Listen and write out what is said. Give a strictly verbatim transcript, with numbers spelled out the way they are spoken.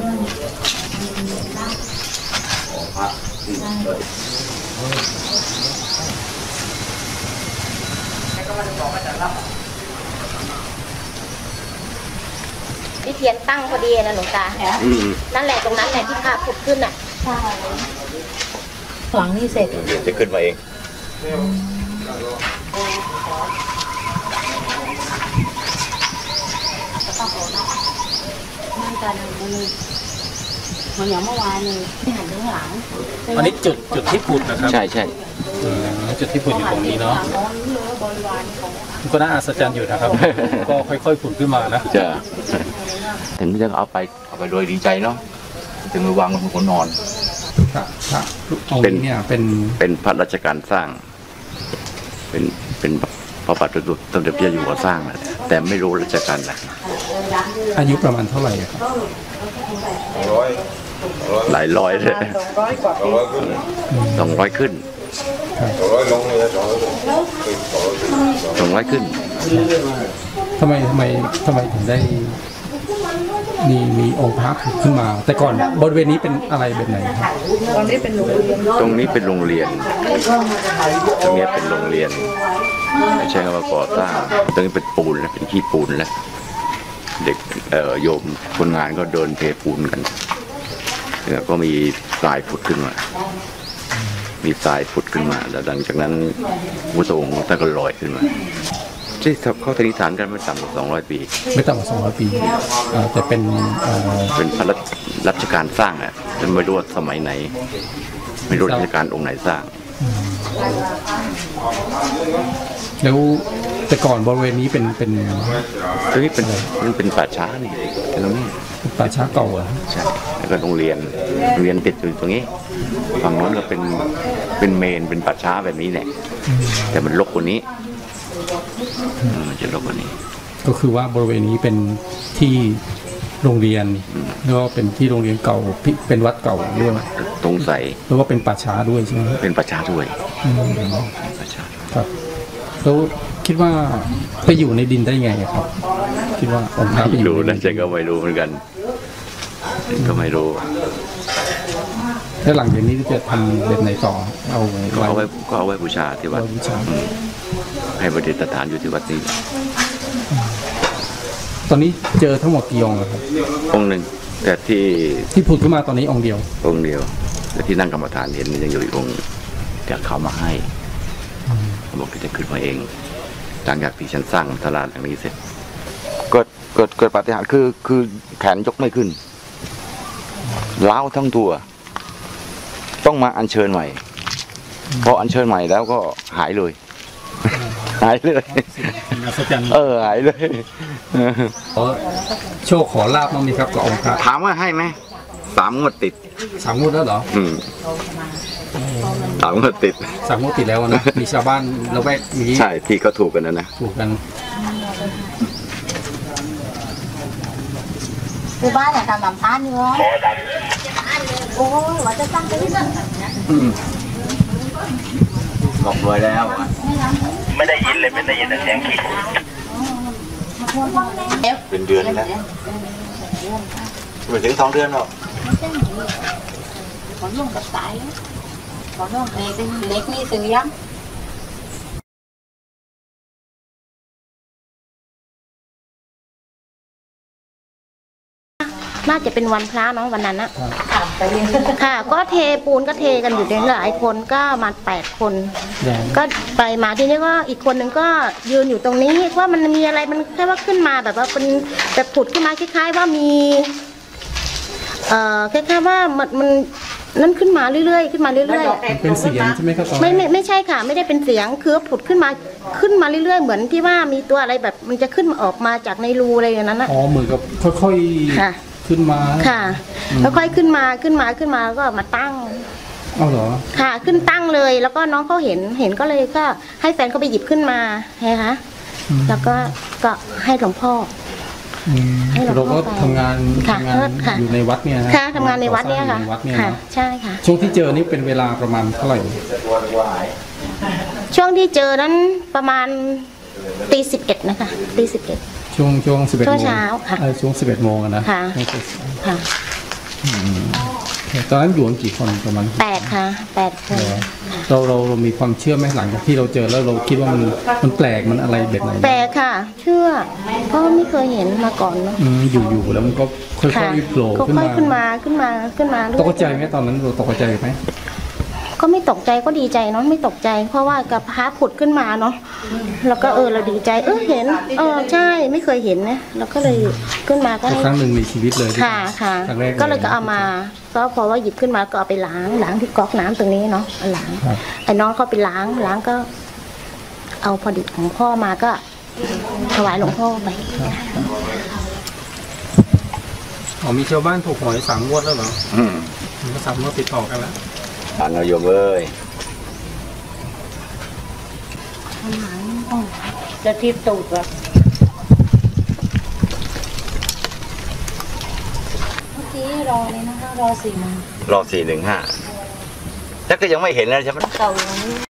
ที่เทียนตั้งพอดีนะหลวงตานั่นแหละตรงนั้นแหละที่ภาพผุดขึ้นอ่ะหลังนี่เสร็จเดี๋ยวจะขึ้นมาเองมันการมันอย่างเมื่อวานนี่ที่หันข้างหลังอันนี้จุดจุดที่ผุดนะครับใช่ใช่จุดที่ผุดอยู่ตรงนี้เนาะก็น่าอัศจรรย์อยู่นะครับก็ค่อยๆผุดขึ้นมานะจะถึงจะเอาไปเอาไปโดยดีใจเนาะถึงวางบนหัวนอนเป็นเนี่ยเป็นเป็นพระราชการสร้างเป็นเป็นพระบาทสมเด็จพระเจ้าอยู่หัวสร้างนะแต่ไม่รู้ราชการไหนอายุประมาณเท่าไหร่ครับหลายร้อยเลยสองร้อยขึ้นสองร้อยขึ้นทำไมทำไมทำไมถึงได้มีมีองค์พระขึ้นมาแต่ก่อนบริเวณนี้เป็นอะไรแบบไหนครับตรงนี้เป็นโรงเรียนตรงนี้เป็นโรงเรียนตรงนี้เป็นโรงเรียนไม่ใช่ว่าก่อสร้างตรงนี้เป็นปูนแล้วเป็นขี้ปูนแล้วเด็กเอ่อโยมคนงานก็เดินเทปูนกันแล้วก็มีทรายผุดขึ้นมามีทรายผุดขึ้นมาแล้วหลังจากนั้นพระองค์ท่านก็ลอยขึ้นมาที่เขาสันนิษฐานกันไม่ต่ำกว่าสองร้อยปีไม่ต่ำกว่าสองร้อยปีแต่เป็นเป็นพระราชการสร้างอ่ะจะไม่รู้ว่าสมัยไหนไม่รู้ราชการองค์ไหนสร้างแล้วแต่ก่อนบริเวณนี้เป็นเป็นตรงนี้เป็นมันเป็นป่าช้านี่ตรงนี้ป่าช้าเก่าอ่ะใช่แล้วก็โรงเรียนโรงเรียนติดอยู่ตรงนี้ฝั่งโน้นก็เป็นเป็นเมนเป็นป่าช้าแบบนี้แหละแต่มันรกกว่านี้มันจะรกกว่านี้ก็คือว่าบริเวณนี้เป็นที่โรงเรียนแล้วก็เป็นที่โรงเรียนเก่าเป็นวัดเก่าด้วยตรงใสแล้วก็เป็นป่าช้าด้วยใช่ไหมเป็นป่าช้าด้วยป่าช้าครับแล้วคิดว่าไปอยู่ในดินได้ไงครับคิดว่าองค์พระไปอยู่นะฉันก็ไม่รู้เหมือนกันก็ไม่รู้แล้วหลังจากนี้จะทำแบบไหนต่อเอาก็เอาไว้ก็เอาไว้บูชาที่วัดให้ประดิษฐานอยู่ที่วัดนี้ตอนนี้เจอทั้งหมดกี่องค์ครับองค์หนึ่งแต่ที่ที่ผุดขึ้นมาตอนนี้องค์เดียวองค์เดียวแต่ที่นั่งกรรมฐานเห็นยังอยู่อีกองค์แต่เขามาให้เขาบอกจะขึ้นมาเองหลังจากที่ฉันสร้างตลาดหลังนี้เสร็จเกิดเกิดเกิดปาฏิหาริย์คือคือแขนยกไม่ขึ้นล้าวทั้งตัวต้องมาอัญเชิญใหม่พออัญเชิญใหม่แล้วก็หายเลยหายเลยเออหายเลยโชคขอลาบมั้งมีครับกับองค์พระถามว่าให้ไหมสามงวดติดสามงวดแล้วเหรออืมสามงวดติดสามงวดติดแล้วนะมีชาวบ้านละแวกนี้ใช่ที่เขาถูกกันนะนะถูกกันคือบ้านเนี่ยทำแบบนั้นอยู่โอ้ยว่าจะตั้งไปที่นั่นบอกรวยแล้วไม่ได้ยินเลยไม่ได้ยินแต่เสียงขี้เป็นเดือนแล้วไม่ถึงสองเดือนหรอกขอนุ่งกับสายขอนุ่งเล็กเล็กนี่ซื้อยังน่าจะเป็นวันพระเนาะวันนั้นนะค่ะก็เทปูนก็เทกันอยู่หลายคนก็มาแปดคนก็ไปมาทีนี้ก็อีกคนหนึ่งก็ยืนอยู่ตรงนี้ว่ามันมีอะไรมันแค่ว่าขึ้นมาแบบว่าเป็นแบบผุดขึ้นมาคล้ายๆว่ามีเอ่อคล้ายๆว่ามันมันนั่นขึ้นมาเรื่อยๆขึ้นมาเรื่อยๆเป็นเสียงใช่ไหมครับไม่ไม่ไม่ใช่ค่ะไม่ได้เป็นเสียงคือผุดขึ้นมาขึ้นมาเรื่อยๆเหมือนที่ว่ามีตัวอะไรแบบมันจะขึ้นมาออกมาจากในรูอะไรอย่างนั้นนะอ๋อเหมือนกับค่อยๆค่ะขึ้นมาค่ะแล้วค่อยขึ้นมาขึ้นมาขึ้นมาก็มาตั้งเอาเหรอค่ะขึ้นตั้งเลยแล้วก็น้องเขาเห็นเห็นก็เลยก็ให้แฟนเขาไปหยิบขึ้นมาไงคะแล้วก็ก็ให้หลวงพ่อเราก็ทำงานทำงานอยู่ในวัดเนี่ยค่ะทำงานในวัดเนี่ยค่ะค่ะใช่ค่ะช่วงที่เจอนี่เป็นเวลาประมาณเท่าไหร่ช่วงที่เจอนั้นประมาณตีสิบเอ็ดนะคะตีสิบเอ็ดช่วงช่วงสิบเอ็ดโมงเช้าค่ะช่วงสิบเอ็ดโมงนะค่ะค่ะตอนนั้นอยู่กันกี่คนประมาณแปดค่ะแปดคนเราเราเรามีความเชื่อไหมหลังจากที่เราเจอแล้วเราคิดว่ามันมันแปลกมันอะไรแบบไหนแปลกค่ะ เชื่อเพราะไม่เคยเห็นมาก่อนเนาะอืมอยู่อยู่แล้วมันก็ค่ค่ะอยๆโผล่ก็ขึ้นค่อยมาขึ้นมาขึ้นมาขึ้นมาเรื่อยตกใจไหมตอนนั้นเราตกใจไหมก็ไม่ตกใจก็ดีใจเนาะไม่ตกใจ เพราะว่ากับพระผุดขึ้นมาเนาะแล้วก็เออเราดีใจเออเห็นเออใช่ไม่เคยเห็นนะเราก็เลยขึ้นมาก็ให้ครั้งหนึ่งในชีวิตเลยค่ะค่ะครั้งแรกก็เลยก็เอามาก็พอว่าหยิบขึ้นมาก็เอาไปล้างล้างที่ก๊อกน้ำตรงนี้เนาะเอาล้างครับไอ้น้องเขาไปล้างล้างก็ เอาพอดีของพ่อมาก็ถวายหลวงพ่อไปอ๋อมีชาวบ้านถูกหวยสามงวดแล้วเหรออืมก็สามงวดติดต่อกันแล้วอ่านเอาโยมเอ้ยจะทิพตูดแบบเมื่อกี้รอเลยนะคะรอสี่โมงรอสี่หนึ่งห้าแต่ก็ยังไม่เห็นนะใช่ไหมเก่าอย่างนี้